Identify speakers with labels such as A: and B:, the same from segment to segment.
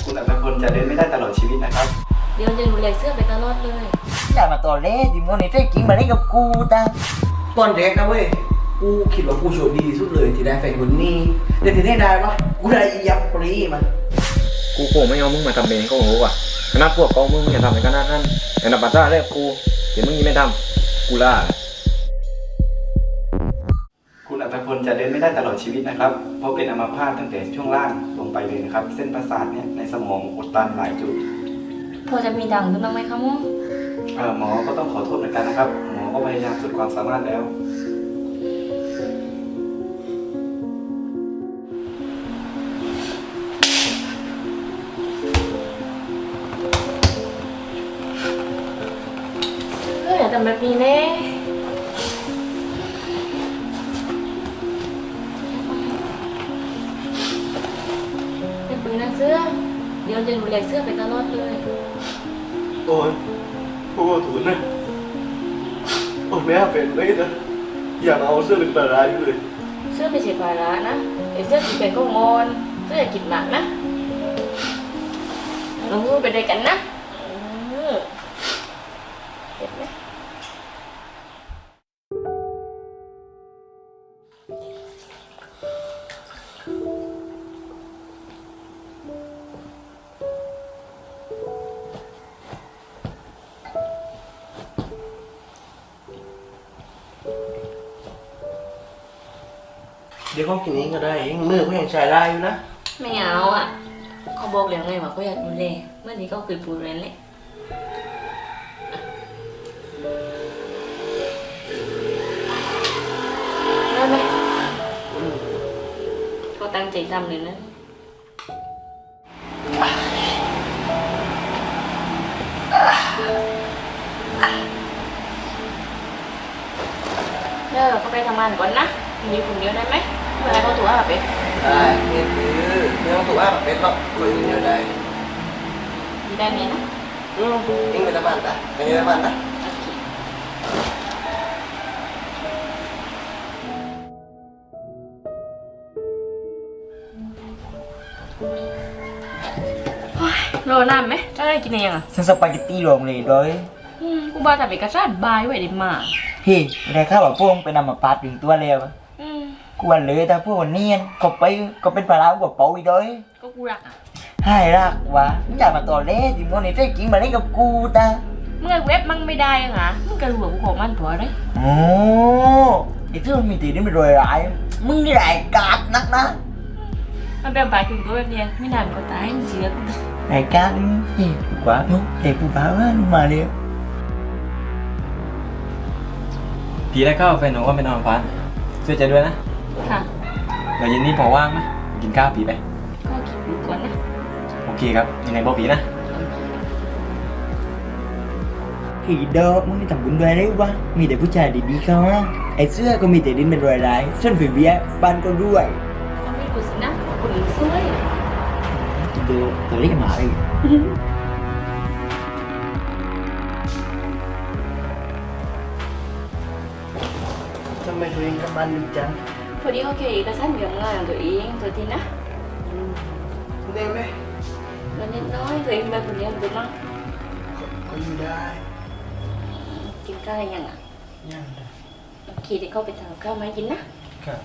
A: คุณอัตพลจะเดินไม่ได้ตลอดชีวิตนะครับ
B: เดี๋ยวจะดูแลเสื้อไปตลอดเลย
C: อย่ามาต่อเล่ดิโมนี่ได้จริงมาเล่นกับกูตา
D: ตอนแรกนะเว้ยกูคิดว่ากูโชคดีที่สุดเลยที่ได้แฟนคนนี้แต่ที่ได้ปะกูได้อียับปรีมา
E: กูคงไม่เอามึงมาทำเองก็รู้ว่ะขนาดพวกกองมึงจะทำในขนาดนั้นแต่นับปัจจัยแรกกูเดี๋ยวมึงยังไม่ทำกูล่า
A: คุณอัตพลจะเดินไม่ได้ตลอดชีวิตนะครับเพราะเป็นอัมพาตตั้งแต่ช่วงล่างลงไปเลยนะครับเส้นประสาทเนี่ยในสมองอุดตันหลายจุด
B: พอจะมีดังขึ้นบ้างไหมคะหมอ
A: หมอก็ต้องขอโทษเหมือนกันนะครับหมอก็พยายามสุดความสามารถแล้ว
B: อย่าทำแบบนี้เน่อย่าปืนนะเสื้อเดี๋ยวจะดูแลเสื้อไปตลอดเลย
D: โอ้ยกูก็ถูนนะโอ้แม่เป็นเลยนะอย่ามาเอาเสื้อเป็นปลาร้าอยู่เลย
B: เสื้อไม่ใช่ภาระนะไอ้เสื้อกินเป็นก็งอนเสื้ออย่ากินหนักนะลงมือไปด้วยกันนะเจ็บไหม
D: เดี๋ยวเขากินเองก็ได้เองมือเขายังใช้ได้อยู่นะ
B: ไม่เอาอ่ะเขาบอกแล้วไงว่าเขาอยากดูแลเมื่อนี้ก็เคยพูดแล้วแหละได้ไหมก็ตั้งใจทำเลยนะเดี๋ยวเราก็ไปทำงานก่อนนะมีคนเดียวได้ไหมเมื่อไรเขาถูกว่าแบบ
D: ได้เนี่ยคือไม่ต้องถูกว่าแบบเป็นหรอกคุยกันเดียวได้
B: ได้ไหมนะ
D: เองไปทำงานตาไปทำงานตา
B: รอนานไหมจะได้กินยังอ่ะ
C: ฉันสปาเกตตี้รวมเลยด้วย
B: กูบาแต่เอกสารบายไว้ดิมา
C: พี่ได้ข้าวแบบพวกเป็นอัมพาตถึงตัวแล้วกูวันเลยแต่พวกวันนี้ก็ไปก็เป็นปลาร้ากว่าเป๋าอีกด้วย
B: ก็กูรักอ่ะ
C: ให้รักวะอย่ามาต่อเล่ดิโมนี่ได้จริงมาเล่นกับกูตา
B: เมื่อเว็บมั่งไม่ได้ยังไงมึงกระหลวงกูขอมันผัวได้
C: โอ้ไอ้ที่มันมีตีนี่มันรวยร้ายมึงนี่แหละกาดนักนะ
B: มันเป็นปลายถึงตัวแบบนี้ไม่นานก็ตายมึงเสียกู
C: ไอ้กาดนี่กว่านุ๊กเด็กกูบ้าว่ามาเร็ว
E: ทีแรกก็แฟนหนูก็ไปนอนฟันช่วยใจด้วยนะ
B: ค่ะ
E: เดี๋ยวเย็นนี้พอว่างไหมกินข้าวผีไป
B: ก็กินดูก่อนนะ
E: โอเคครับยังไงบอกผีนะ
C: ผีดอกมึงนี่ทำบุญด้วยได้วะมีแต่ผู้ชายดีๆเขาไอ้เสื้อก็มีแต่ดินเป็นรอยร้ายส่วนผีเบี้ยบ้านก็ด้วย
B: ก็ไม่ดูสินะคนสวย
C: ดูตัวเล็กหมาเลย
D: ทำไมตัวเองกับบ้านดีจัง
B: พอดีเขาเขียนเอกสารเรื่องงานตัวเองตัวทีนะ
D: ได้ไหม
B: มันนิดน้อยตัวเองแบบคนเดียวดูมั้ง
D: ก็อยู่ได้
B: กินข้าวอะไรยังอ่ะ
D: ยัง
B: โอเคเดี๋ยวเข้าไปทำข้าวมากินนะครับ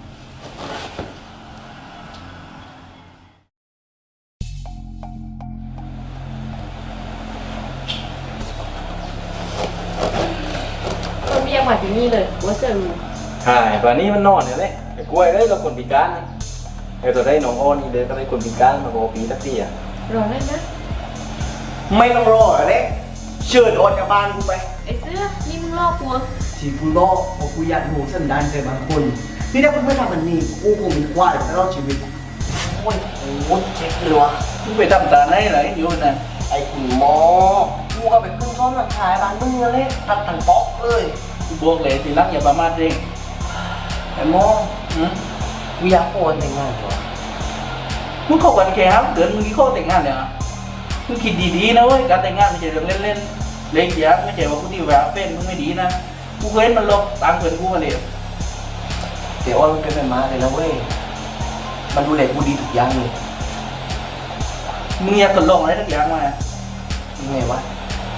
B: ก็ไม่อยากมาที่นี่เลยว่าเสือรู้
E: ใช่ตอนนี้มันนอนอยู่เลยไอ้กล้วยเลยเราคนพิการไอ้ตัวได้น้องอ้อนนี่เลยก็ได้คนพิการมาบอกผีสักทีอ่ะ
B: รอได้นะ
D: ไม่ต้องรออะไรเชิญออกจากบ้านกูไป
B: ไอ้เสื้อนี่มึงลอกกู
D: ที่กูลอกเพราะกูอยากรู้สันดานใจบางคนนี่ถ้ากูไม่ทำแบบนี้กูคงเป็นควายตลอดชีวิตโอ้ยโอ้ยเจ็บเลยวะมึงไปทำตาไหนไหนอยู่นั่นไอ้คุณหมอกูก็ไปขึ้นซ้อมหลักฐานบ้านมึงเลยทัดทันป๊อกเลย
A: กูบอกเลยทีหลังอย่าประมาทเอง
D: ไอ้หมอกูอยากโอนแต่งงานก่อน
A: มึงเข้ากันแค่ครับเดือนมึงกี่ข้อแต่งงานเนี่ยมึงคิดดีๆนะเว้ยการแต่งงานไม่ใช่เรื่องเล่นๆเล็กยักษ์ไม่ใช่ว่ากูดีแหวะเป็นมึงไม่ดีนะกูเคยเห็นมันลบตามเพื่อนกูมาเลย
D: เดี๋ยวอ้อนมันเป็นแม่ม้าเลยนะเว้ยมันดูแลกูดีทุกอย่างเลย
A: มึงอยากทดลองอะไรสักอย่างมา
D: ยังไงวะ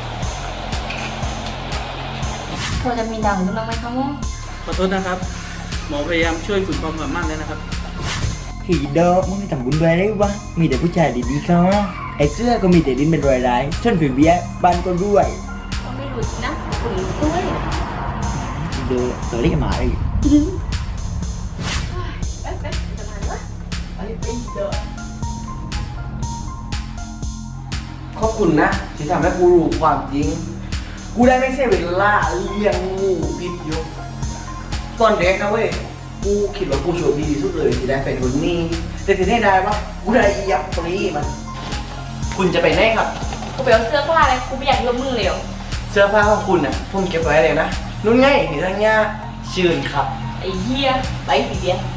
B: พอจะมีดังขึ้นบ้างไหมคะหมอ
A: ขอโทษนะครับ หมอพยายามช่วยฝึกความสามารถแล้วนะครับ
C: ผีดอกมึงไม่ทำบุญด้วยเลยวะมีแต่ผู้ชายดีๆเขาอะไอ้เสื้อก็มีแต่ดินเป็นรอยร้ายส่วนผีเบี้ยบ้านก็รวย
B: ก็ไม่รู้นะคุณสวย
C: เดือตัวเล็กหมาเลย
D: ขอบคุณนะที่ทำให้กูรู้ความจริง กูได้ไม่เสียเวลาเลี้ยงงูพิษอยู่ตอนเด็กนะเว้ย กูคิดว่ากูโชคดีที่สุดเลยที่ได้แฟนคนนี้แต่ที่ได้วะกูได้อียับปรีมัน คุณจะไปไหนครับ
B: กูไปเอาเสื้อผ้าอะไรกูไม่อยากยกมือเลยเหรอ
D: เสื้อผ้าของคุณน่ะผมเก็บไว้เลยนะนุ่นไงนี่ทั้งย่าเชิญครับ
B: ไอ้เหี้ยไปสิเดียว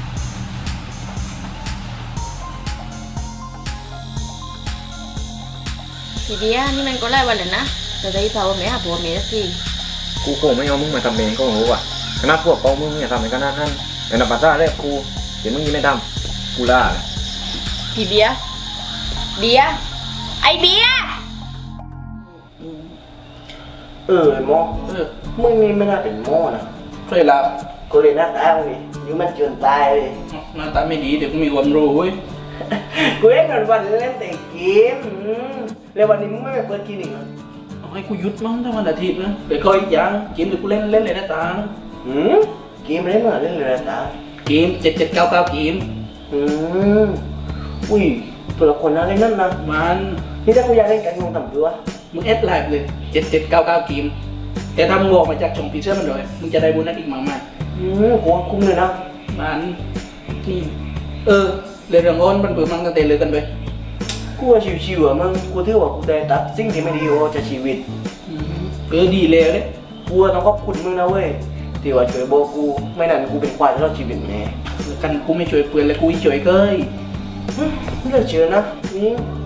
B: ทีเดียวนี่มันก็ไล่วันเลยนะแต่ได้เผาไม่หาผัวเมียสักที
E: กูคงไม่เอามึงมาทำเองก็รู้ว่ะขนาดพวกกองมึงอย่าทำในขนาดนั้นแต่นับปัสสาวะแรกกูเดี๋ยวมึงยังไม่ทำกูล่าเลย
B: พี่เบียร์เบียร์ไอเบียร์
D: หมอ
A: เออ
D: มึงนี่ไม่น่าเป็นหมอนะ
A: ช่วยรับ
D: กูเลยหน้าตามึงดิอยู่มันจนตายเลย
A: หน้าตาไม่ดีเดี๋ยวกูมีความรู้เว้ย
D: กูเล่นวันเล่นแต่เกมแล้ววันนี้มึงไม่ไปเปิดคลินิกเหรอ
A: เอาให้กูหยุดมั้งถ้าวันอาทิตย์นะไปคอยอีกอย่างเกมเดี๋ยวกูเล่นเลยนะตา
D: เกมเล่นมาเล่นเลยนะตา
A: เกม7799เกม
D: อุ้ยตัวละครน่าเล่นนั่นนะ
A: มัน
D: นี่ถ้ากูอยากเล่นกันงงต่ำตัว
A: มึงเอสไลฟ์เลย7799เกมแต่ถ้ามึงออกมาจากช่องพีเชื่อมันเลยมึงจะได้โบนัสอีกมากมาย
D: กูว่าคุ้มเลยนะ
A: มันนี่เรื่องโอนมันเปิดมันตั้งแต่เลยกันไป
D: กูว่าชิวๆอ่ะมึงกูถือว่ากูได้ตัดสิ่งที่ไม่ดีออกจากชีวิต
A: ดีเลยเลย
D: กูว่าต้องขอบคุณมึงนะเว้ยที่ว่าช่วยบอกกูไม่นั้นกูเป็นควายตลอดชีวิตแน่
A: กันกูไม่ช่วยเพื่อนเลยกูช่วยเกย
D: ไม่เลิกเชื่อนะนี่